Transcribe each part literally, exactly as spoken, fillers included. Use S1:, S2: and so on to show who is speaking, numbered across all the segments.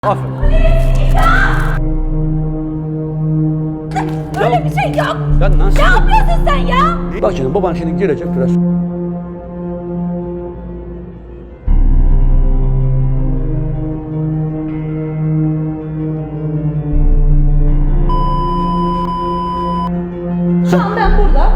S1: Aferin.
S2: Öyle bir şey yok.
S1: Ya nasıl?
S2: Ne yapıyorsun sen ya?
S1: Bak şimdi baban şimdi gelecek biraz.
S2: Şu an ben burada.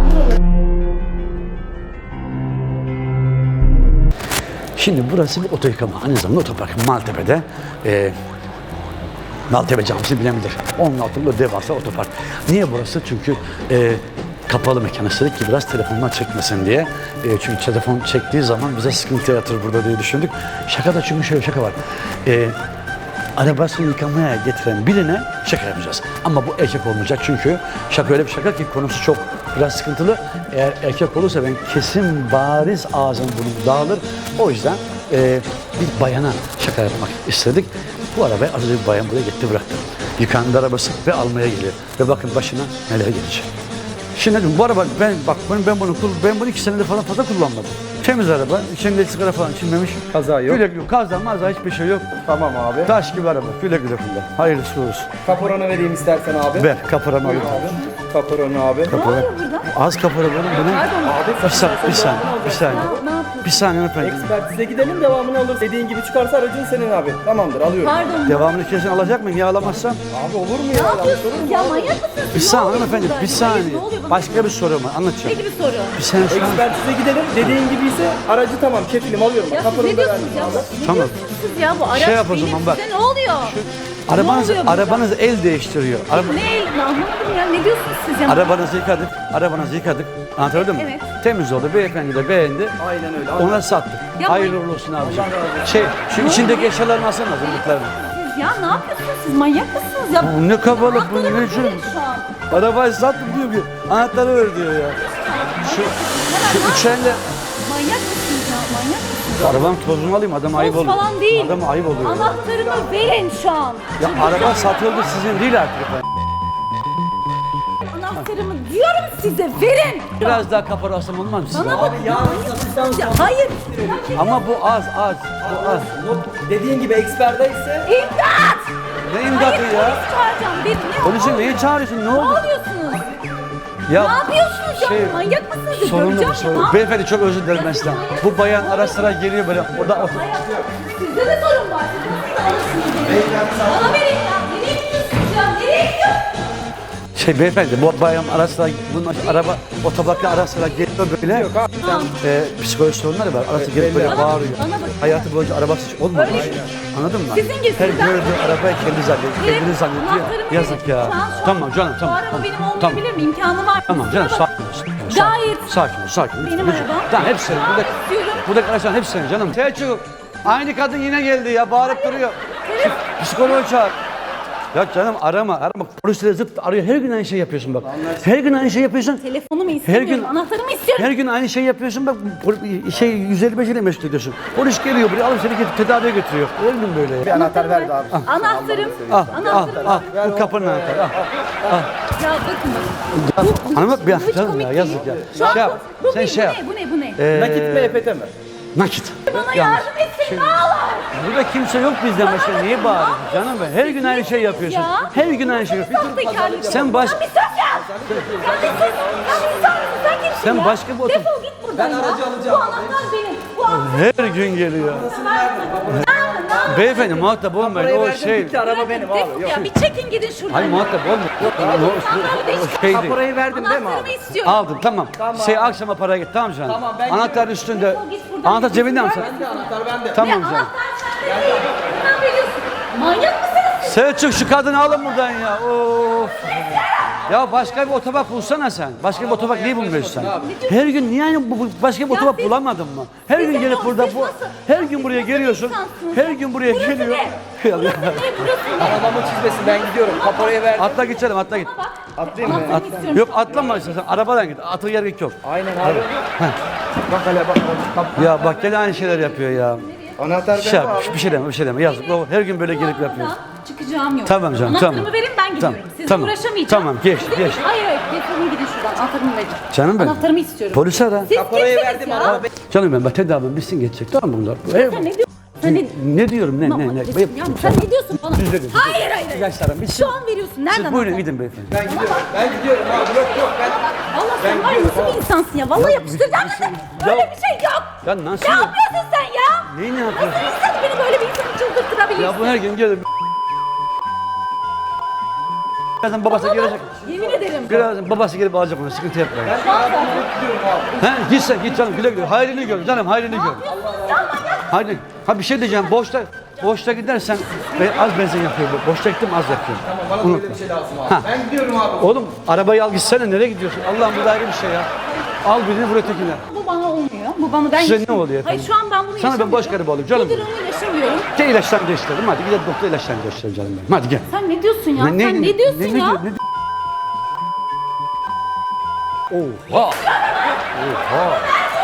S1: Şimdi burası bir oto yıkama. Aynı zamanda otopark. Maltepe'de. E, Maltepe Camisi bilebilir. Onun altında devasa otopark. Niye burası? Çünkü e, kapalı mekan istedik ki biraz telefonlar çekmesin diye. E, çünkü telefon çektiği zaman bize sıkıntı yaratır burada diye düşündük. Şaka da çünkü şöyle şaka var. E, arabasını yıkamaya getiren birine şaka yapacağız. Ama bu erkek olmayacak çünkü şaka öyle bir şaka ki konusu çok biraz sıkıntılı. Eğer erkek olursa ben kesin bariz ağzım bunu dağılır. O yüzden e, bir bayana şaka yapmak istedik. Bu arabayı az önce bir bayan buraya gitti bıraktı. Yıkandı arabası ve almaya geliyor. Ve bakın başına neler gelecek. Şimdi bu araba ben bak ben, ben bunu ben bunu iki senedir falan fazla kullanmadım. Temiz araba, içinde sigara falan içilmemiş.
S3: Kaza yok.
S1: Güle güle, kaza maza hiçbir şey yok.
S3: Tamam abi.
S1: Taş gibi araba, güle güle kullan. Hayırlısı olsun.
S3: Kaporanı vereyim istersen abi.
S1: Ver, kaporamı alayım.
S3: Abi. Kaporanı abi.
S2: Ne oluyor burada?
S1: Az kapora benim, bu ne?
S3: Abi
S1: Bir saniye, bir saniye, bir saniye.
S2: Ne yapıyorsun?
S1: Bir saniye efendim.
S3: Ekspertize gidelim, devamını alırız. Dediğin gibi çıkarsa aracın senin abi. Tamamdır, alıyorum.
S2: Pardon.
S1: Devamını kesin alacak mıyım ya alamazsam?
S3: Abi olur mu
S2: Ne
S3: ya?
S2: yapıyorsunuz ya? Manyak mısınız?
S1: Bir
S2: Ne
S1: saniye
S2: oluyor
S1: efendim,
S2: burada?
S1: bir
S2: Hayır,
S1: saniye.
S2: ne oluyor? Bana
S1: Başka bir soru var,
S2: Ne
S1: anlatacağım.
S2: gibi soru?
S1: Bir saniye şu an.
S3: Ekspertize gidelim. Dediğin gibi ise aracı tamam, kefilim alıyorum.
S2: Ya siz
S3: Kaporanı
S2: ne
S3: da verdim
S2: diyorsunuz ya?
S3: abi.
S2: Ne
S1: Tamam.
S2: diyorsunuz siz ya? Bu araç
S1: Şey yap o
S2: benim.
S1: zaman bak.
S2: Size ne oluyor?
S1: Arabanız,
S2: Ne oluyor burada?
S1: arabanız el değiştiriyor. Araba,
S2: Ne el? Anlamadım ya. Ne diyorsunuz siz ya?
S1: arabanızı yıkadık, arabanızı yıkadık. Anlatabildim mi?
S2: Evet.
S1: Temiz oldu, beyefendi de beğendi.
S3: Aynen öyle.
S1: Ona sattık.
S2: Ya
S1: Hayırlı
S2: bu-
S1: uğurlu olsun abiciğim. Şey, şu içindeki eşyalarını alsana hazırlıklarını.
S2: Siz ya ne yapıyorsunuz siz? Manyak mısınız ya?
S1: Bu ne kabalık, bu ne
S2: Anahtarımı
S1: biçim?
S2: verin şu an.
S1: Arabayı sattım diyor ki anahtarı ver diyor ya. Şu, şu üç elle
S2: Manyak mısınız ya? Manyak mısınız?
S1: arabanın tozunu alayım adam ayıp
S2: Toz
S1: oluyor.
S2: falan değil.
S1: Adam ayıp oluyor. ya.
S2: Anahtarımı verin şu an.
S1: Ya araba satıldı sizin değil artık efendim.
S2: Anahtarımı diyorum size verin.
S1: Biraz daha kaparasım olmaz mı size?
S2: Bana bak ya. Ya hayır.
S1: Ama bu az az. Bu az.
S3: Dediğin gibi eksperdeyse
S2: İmdat!
S1: Ne imdatı
S2: Hayır,
S1: ya?
S2: polis çağıracağım. Beni ne
S1: Polisin neyi çağırıyorsun? Ne
S2: Ne
S1: oldu?
S2: yapıyorsunuz?
S1: Ya
S2: Ne yapıyorsunuz ya?
S1: şey,
S2: Manyak mısınız? ya?
S1: sorunlu
S2: Göreceğim
S1: bu sorun.
S2: ya.
S1: Beyefendi çok özür dilerim ben sizden. Bu bayan ara sıra geliyor böyle. O da otur.
S2: Hayır, sizde de sorun var. Siz nasıl alırsınız beni? Bana verin ya. Nereye gidiyorsunuz ya? Nereye gidiyorsunuz?
S1: Şey beyefendi bu bayan ara sıra bunun araba otobakla ara sıra geliyor böyle.
S3: yok abi. Sen
S1: E, psikolojik sorunları var. Arası gelip böyle
S2: Bana-
S1: bağırıyor.
S2: bana bak.
S1: Hayatı boyunca arabası hiç olmadı.
S2: Öyle şey.
S1: Anladın mı?
S2: Sizin gibi
S1: Her
S2: sizden-
S1: gördüğü arabayı kendi zannediyor.
S2: Benim
S1: Kendini zannediyor.
S2: anahtarımı
S1: Yazık
S2: verin.
S1: ya.
S2: Şu an- şu an
S1: Tamam canım tamam.
S2: Bu araba
S1: tamam.
S2: benim
S1: Tamam.
S2: olmayabilir mi? İmkanı var.
S1: Tamam canım
S2: Kusura bak-
S1: sakin ol. Sakin,
S2: Gayet.
S1: Sakin ol sakin ol.
S2: Benim
S1: Lütfen.
S2: arabam.
S1: Tamam hepsi senin. Buradaki,
S2: istiyorum.
S1: buradaki araçların hepsi senin canım. Selçuk. Aynı kadın yine geldi ya. Bağırıp duruyor. Psikoloğu çağır. Ya canım arama, arama. Polisleri zıt arıyor. Her gün aynı şey yapıyorsun bak. Her gün aynı şey yapıyorsun.
S2: Telefonumu istemiyorum.
S1: gün-
S2: Anahtarımı istiyorum.
S1: Her gün aynı şey yapıyorsun bak. pol- Şey yüz elli beş ile meşgul ediyorsun. Polis geliyor buraya alıp seni get- tedaviye götürüyor. Her gün böyle ya.
S3: bir anahtar verdi abi.
S2: Anahtarım.
S1: Al, al,
S2: Anahtarım.
S1: al. Bu kapının anahtarı. Al.
S2: Ya bakın bakın. Bu-
S1: Hanım bak bir
S2: bu hiç
S1: canım
S2: komik
S1: ya
S2: değil.
S1: yazık ya.
S2: Şu an
S1: Şey yap.
S2: bu, bu,
S1: Sen
S2: ne,
S1: şey
S2: bu
S1: yap.
S2: ne, bu ne, bu ne?
S1: Ee,
S3: Nakit mi E F T mi?
S1: Nakit.
S2: Bana
S1: Yalnız.
S2: yardım etsin ağlar.
S1: Burada kimse yok bizden başka. Niye bağırıyorsun canım ben? Her gün aynı şey yapıyorsun.
S2: Ya.
S1: Her gün aynı şey yapıyorsun.
S2: Sahtekarlık.
S1: Sen baş-
S2: Sen bir sus ya. Sen bir sus. Sen bir sus. Sen kimsin
S1: Sen
S2: ya?
S1: başka bir otom-
S2: Defol git buradan ya. Bu anahtar benim. Bu anahtar
S1: Her gün geliyor.
S2: benim.
S1: Beyefendi muhatap olmayın.
S3: Parayı
S1: O
S3: verdim
S1: şey.
S3: bitti, araba benim abi.
S2: Defol
S3: Yok.
S2: ya. Bir çekin gidin şuradan.
S1: Hayır muhatap olmayın. O, o, o şey değil.
S3: Kaporayı verdim değil mi
S2: Anahtarımı
S3: abi?
S2: istiyorum.
S1: Aldım tamam.
S3: Tamam.
S1: Şey akşama para git tamam canım.
S3: Tamam, ben
S1: Anahtar üstünde.
S2: Defol git buradan.
S1: Anahtar cebinde mi sen?
S3: Bende anahtar bende.
S1: Tamam
S2: Ya
S1: canım.
S2: anahtar sende değil. Ne yapıyorsun? Manyak mısınız siz?
S1: Selçuk şu kadını alın buradan ya. Of. Ya başka bir otobak bulsana sen. Başka bir otobak niye bulmuyorsun sen? Her gün niye aynı bu- bu- başka bir
S2: Ya
S1: otobak
S2: siz-
S1: bulamadın mı? Her
S2: siz
S1: gün
S2: de
S1: gelip
S2: yok,
S1: burada
S2: siz
S1: bu
S2: nasıl-
S1: her gün buraya
S2: siz nasıl
S1: geliyorsun.
S2: insansınız?
S1: Her gün buraya
S2: Burası
S1: geliyor.
S2: ne?
S1: Ya,
S2: Burası ne? Burası ne?
S3: Arabamı çizmesin, ben gidiyorum. Kaporayı verdim.
S1: Atla git canım atla git.
S2: Bak.
S3: Atlayayım mı?
S2: Anahtarımı istiyorum.
S1: Yok atlama istersen arabadan git. Atıl gerek yok.
S3: Aynen abi. Bak hele bak. Kap-
S1: Ya bak gene aynı şeyler yapıyor ya.
S3: Anahtar
S1: Şey,
S3: bende
S1: yap,
S3: abi.
S1: bir şey deme bir şey deme yazık. O her gün böyle
S2: Bu
S1: gelip
S2: arabadan
S1: yapıyor.
S2: Çıkacağım yok.
S1: Tamam canım,
S2: Anahtarımı
S1: tamam.
S2: verin ben gidiyorum.
S1: Tamam,
S2: Sizle
S1: tamam.
S2: uğraşamayacağım.
S1: Tamam, geç,
S2: Sizle-
S1: geç.
S2: Hayır hayır defolun gidin şuradan. Anahtarımı verin.
S1: Canım benim.
S2: Anahtarımı istiyorum.
S1: Polise ara.
S2: Siz
S3: Kaporayı
S2: kimsiniz
S3: verdim
S2: ya?
S3: araba.
S1: Canım ben bak tedavim bitsin geçecek tamam mı bunlar?
S2: Sen ne diyorsun Sen ne,
S1: Ne diyorum ne ne ne?
S2: Mahmut, ya sen ne diyorsun bana?
S1: Düz verin.
S2: Hayır hayır. hayır.
S1: İlaçlarım bitsin.
S2: Şu an veriyorsun. Nereden?
S1: Siz buyurun
S2: aldın?
S1: gidin beyefendi.
S3: Ben gidiyorum. Ben gidiyorum abi. Yok yok ben.
S2: Allah sen var ya nasıl bir insansın ya? Vallahi yapıştıracağım seni. Öyle bir şey yok.
S1: Ya nasıl
S2: Ne
S1: yok?
S2: yapıyorsun sen ya?
S1: Neyi ne yapıyorsun?
S2: Nasıl insan beni böyle bir insanı çıldırtırabilirsin?
S1: Ya bu her gün gelir. Birazdan babası gelecek.
S2: Yemin ederim.
S1: Birazdan babası gelip alacak onu. Sıkıntı yapmayın.
S3: Ben abi gidiyorum abi.
S1: He git sen git canım güle güle. Hayrını gör canım hayrını gör. Haydi. Ha bir şey diyeceğim. Boşta boşta gidersen ben az benzin yakıyor bu. Boşta gittim az yakıyor.
S3: Tamam bana
S1: Unutma.
S3: böyle bir şey lazım abi.
S1: Ha.
S3: Ben gidiyorum abi.
S1: Oğlum arabayı al gitsene nereye gidiyorsun? Allah'ım bu da ayrı bir şey ya. Al birini buraya tekine.
S2: Bu bana olmuyor. Bu bana ben
S1: Size ne
S2: yaşamıyorum.
S1: oluyor efendim?
S2: Hayır şu an ben bunu
S1: Sana ben
S2: yaşamıyorum.
S1: boş garip olayım canım.
S2: Bu durumu yaşamıyorum.
S1: Gel ilaçlarını değiştirelim. Hadi gidelim doktor ilaçlarını değiştirelim canım benim. Hadi gel.
S2: Sen ne diyorsun ya? Sen ne, diyorsun
S1: ne,
S2: ya?
S1: Ne, diyor- ne, Oha! Oha!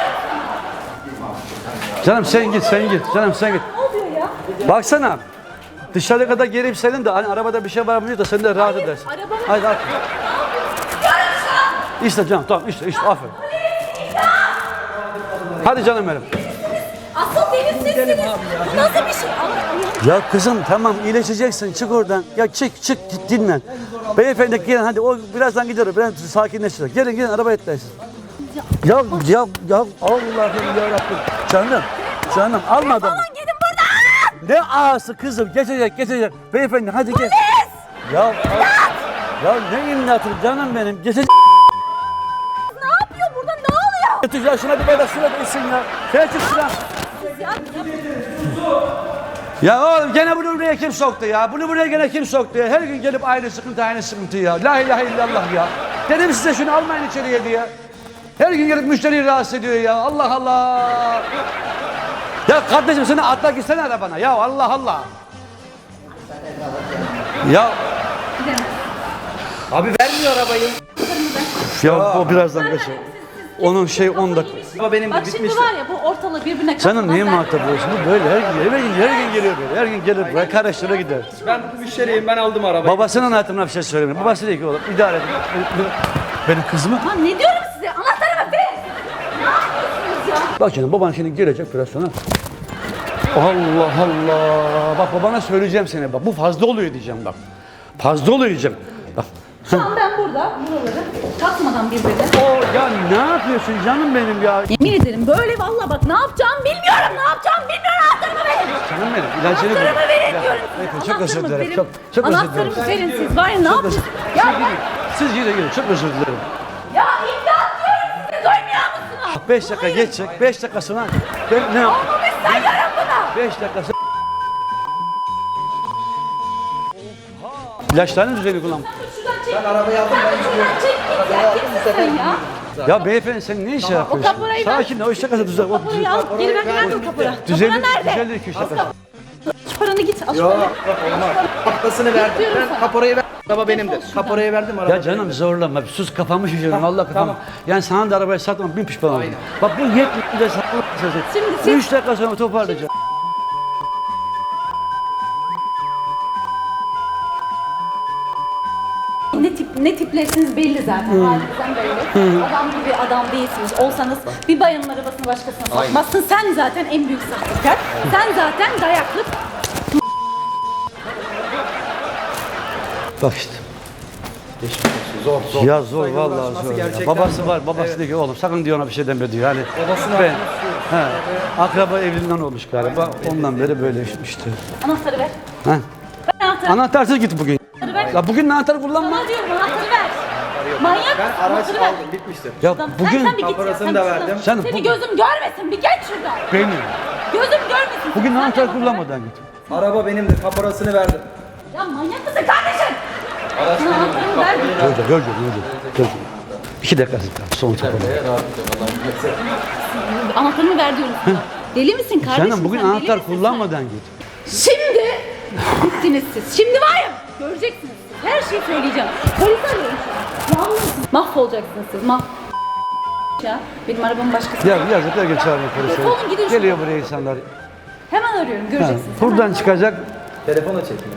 S1: Canım sen git, sen git. Canım sen git.
S2: Ne oluyor ya?
S1: Baksana. Dışarı kadar gelip senin de hani arabada bir şey var mı diyor da sen de rahat edersin.
S2: arabamın-
S1: Hadi at. İşte canım tamam işte işte aferin. Hadi canım benim.
S2: Asıl deniz sizsiniz. Bu nasıl bir şey? Allah Allah.
S1: Ya kızım tamam iyileşeceksin çık oradan. Ya çık çık git dinlen. Beyefendi gelin hadi o birazdan gidiyor. Biraz sakinleşecek. Gelin gelin arabaya etmeyin. Ya ya ya Allah'ım ya Rabbim. Canım canım alma adamı.
S2: Aman gidin buradan.
S1: Ne ağası kızım geçecek geçecek. Beyefendi hadi gel. Ya al- ya ne imdatı canım benim geçecek.
S2: Ne yapıyor burada? Ne oluyor?
S1: Götür ya şuna bir böyle şuna değilsin ya. Sen çık şuna.
S2: Ya,
S1: Ya oğlum gene bunu buraya kim soktu ya? Bunu buraya gene kim soktu ya? Her gün gelip aynı sıkıntı aynı sıkıntı ya. La ilahe illallah ya. Dedim size şunu almayın içeriye diye. Her gün gelip müşteriyi rahatsız ediyor ya. Allah Allah. Ya kardeşim sen atla gitsene arabana. Ya Allah Allah. Ya
S3: Abi vermiyor arabayı.
S1: ya o birazdan geçer. Onun şey on dakika.
S3: Ama benim de
S2: Bak şimdi
S3: bitmişti.
S2: var ya bu ortalığı birbirine
S1: Canım
S2: katmadan
S1: niye
S2: ben-
S1: muhatap oluyorsun? Bu böyle her gün, her gün, her gün geliyor böyle. Her gün gelir buraya karıştıra gider.
S3: Ben müşteriyim ben aldım arabayı.
S1: Babasının hayatına bir şey söylemiyor. Babası diyor ki oğlum idare et. Benim kızımı.
S2: Lan ne diyorum size? Anahtarımı verin. Ne yapıyorsunuz ya?
S1: Bak şimdi baban şimdi gelecek biraz sonra. Allah Allah. Bak babana söyleyeceğim seni bak. Bu fazla oluyor diyeceğim bak. Fazla oluyor diyeceğim. Bak.
S2: Şu an ben burada buraları katmadan birbirine.
S1: O ya ne yapıyorsun canım benim ya?
S2: Yemin ederim böyle vallahi bak ne yapacağımı bilmiyorum. Ne yapacağımı bilmiyorum. Anahtarımı verin.
S1: Canım benim ilacını ver.
S2: Anahtarımı verin
S1: Ya,
S2: diyorum
S1: Beyefendi,
S2: size.
S1: çok özür
S2: Anahtarımı
S1: dilerim.
S2: verin.
S1: Çok, çok özür dilerim.
S2: Anahtarımı verin siz. Var ya ne
S1: Çok
S2: yapıyorsunuz?
S1: özür-
S2: Ya
S1: Siz
S2: ben...
S1: gidin. Siz gidin gidin. Çok özür dilerim.
S2: Ya imdat diyorum size. Duymuyor musunuz?
S1: Beş dakika geçecek. Beş dakika sonra ben ne yap?
S2: Olmamış sayıyorum bunu.
S1: Beş dakika sonra. İlaçlarını düzeni kullan.
S2: Şuradan çek.
S3: Ben arabayı aldım ben gidiyorum.
S2: Şuradan çek git ya. Kimsin sen ya?
S1: Ya beyefendi sen ne iş yapıyorsun?
S2: kaporayı ver.
S1: Sakin ol. Üç dakika düzen. O
S2: Kapıyı al. Geri ver. Nerede o kapora?
S1: düzelir,
S2: Kapora nerede?
S1: düzelir iki üç dakika.
S2: Şu paranı git. Al şu
S3: Yok
S2: paranı.
S3: yok olmaz. Kapasını verdim.
S2: Bekliyorum
S3: Ben
S2: sana.
S3: kaporayı verdim. Araba benimdir.
S2: Defol şuradan.
S3: Kaporayı verdim araba.
S1: Ya canım zorlama. Sus kafamı şişirdin. Allah kafamı.
S3: tamam.
S1: Yani sana da arabayı satmam. Bin pişman oldum.
S3: Aynen.
S1: Bak bu yetmiyor de satmam.
S2: Şimdi siz-
S1: Üç dakika sonra toparlayacağım.
S2: Ne tip ne tiplersiniz belli zaten. Halinizden belli. Adam gibi adam değilsiniz. Olsanız bir bayanın arabasını başkasına satmazsın. Sen zaten en büyük sahtekar. Sen zaten dayaklık.
S1: Bak işte.
S3: Zor zor.
S1: Ya zor
S3: Saygılar
S1: vallahi
S3: aşması
S1: zor. Ya.
S3: gerçekten
S1: Babası
S3: zor.
S1: var. Babası
S3: Evet.
S1: diyor ki oğlum sakın diyor ona bir şey deme diyor. Yani
S3: Babasını
S1: ben,
S3: atmak
S1: he, akraba evliliğinden olmuş galiba. Ondan beri böyle işte.
S2: Anahtarı ver.
S1: He.
S2: Ver anahtarı.
S1: Anahtarsız git bugün.
S2: Anahtarı ver.
S1: Ya bugün anahtarı kullanma.
S2: Sana diyorum anahtarı ver. Manyak
S3: Ben
S2: mısın?
S3: araç
S2: Anahtarı ver.
S3: aldım bitmiştir.
S1: Ya
S2: Lan
S1: bugün
S2: sen, sen bir git ya,
S3: Kaporasını
S2: sen
S3: da
S2: şuradan.
S3: verdim.
S1: Sen
S2: Seni
S1: bu-
S2: gözüm görmesin. Bir geç şuradan.
S1: benim.
S2: Gözüm görmesin.
S1: Bugün
S2: Sen
S1: anahtar
S2: de
S1: kullanmadan git.
S3: Araba benimdir. Kaporasını verdim.
S2: Ya manyak mısın kardeşim?
S3: Araç
S2: Sana anahtarımı ver.
S1: Göreceğim, göreceğim, göreceğim. İki dakika sonra toparlayacağım.
S2: Anahtarımı ver diyorum sana. Deli misin kardeşim?
S1: Canım bugün
S2: sen, deli
S1: anahtar
S2: misin sen?
S1: kullanmadan git.
S2: Şimdi bittiniz siz. Şimdi var ya göreceksiniz siz. Her şeyi söyleyeceğim. Polis arıyorum şu an. Yalnız mahvolacaksınız siz. Mah ya. Benim arabamın başkası.
S1: Ya yazıklar geç çağırın
S2: Defolun gidin
S1: polisi.
S2: şuradan.
S1: Geliyor buraya insanlar.
S2: Hemen arıyorum
S1: Ha,
S2: göreceksiniz.
S1: buradan
S2: Hemen.
S1: çıkacak.
S3: Telefona çekmiyor.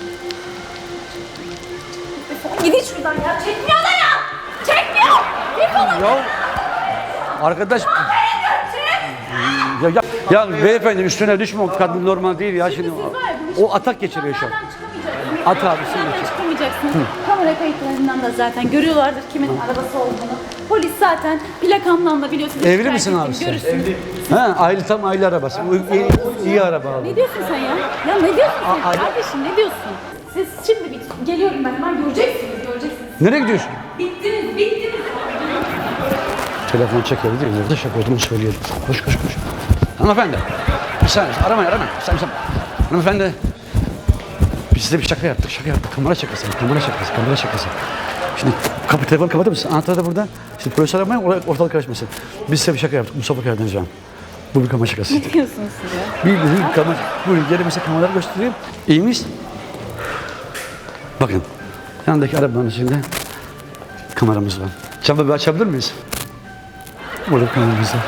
S2: Defolun gidin şuradan ya. Çekmiyor da ya. Çekmiyor. Defolun.
S1: Ya arkadaş
S2: Çek.
S1: ya, ya Ya beyefendi üstüne düşme, o kadın normal değil ya şimdi.
S2: Siz var ya, bu
S1: O atak geçiriyor şu an.
S2: Bunlardan çıkamayacaksınız.
S1: At abi,
S2: Bunlardan
S1: sen geç.
S2: çıkamayacaksınız. Kamera kayıtlarından da zaten görüyorlardır kimin arabası olduğunu. Polis zaten plakamdan da biliyorsunuz.
S1: Evli
S2: şikayet
S1: misin
S2: ettim,
S1: abi sen?
S2: Görürsünüz.
S1: Ha, aile tam aile arabası. Bu iyi, iyi araba abi.
S2: Ne diyorsun sen ya? Ya ne diyorsun sen
S1: Aa,
S2: kardeşim ne diyorsun? Siz şimdi bit geliyorum ben hemen göreceksiniz göreceksiniz.
S1: Nereye gidiyorsun?
S2: Bittiniz bittiniz.
S1: Telefon çekebilir değil mi? Nerede şaka olduğunu söyleyelim. Koş koş koş. Hanımefendi. Bir saniye aramayın aramayın. Bir saniye, bir saniye. Hanımefendi. Biz size bir şaka yaptık. Şaka yaptık. Kamera şakası. Kamera şakası. Kamera şakası. Şimdi kapı telefonu kapatır mısın? Anahtar da burada. Şimdi polis aramayın. Oraya ortalık karışmasın. Biz size bir şaka yaptık. Mustafa Karadenizcan. Bu bir kamera şakası.
S2: Ne diyorsunuz siz ya?
S1: Bir bizim kamera. Buyurun gelin mesela kameraları göstereyim. İyi miyiz? Bakın. Yanındaki arabanın içinde kameramız var. Camı bir açabilir miyiz? Burada kameramız var.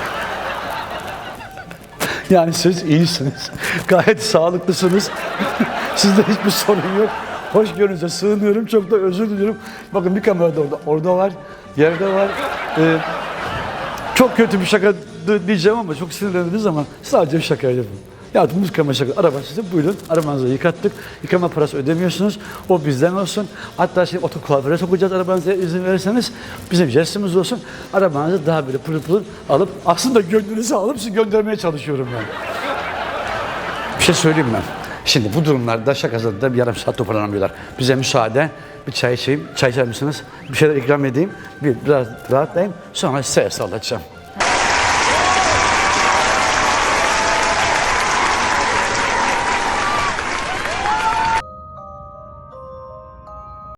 S1: Yani siz iyisiniz. Gayet sağlıklısınız. Sizde hiçbir sorun yok. Hoşgörünüze sığınıyorum. Çok da özür diliyorum. Bakın bir kamera da orada. Orada var. Yerde var. Ee, çok kötü bir şaka diyeceğim ama çok sinirlendiniz ama sadece bir şaka yapın. Yaptığımız kamera şaka. Araba size buyurun. Arabanızı yıkattık. Yıkama parası ödemiyorsunuz. O bizden olsun. Hatta şimdi otokuaföre sokacağız arabanıza izin verirseniz. Bizim jestimiz olsun. Arabanızı daha böyle pırıl pırıl alıp aslında gönlünüzü alıp sizi göndermeye çalışıyorum ben. Bir şey söyleyeyim ben. Şimdi bu durumlarda şakasında da bir yarım saat toparlanamıyorlar. Bize müsaade. Bir çay içeyim. Çay içer misiniz? Bir şeyler ikram edeyim. Bir biraz rahatlayayım. Sonra size sallayacağım.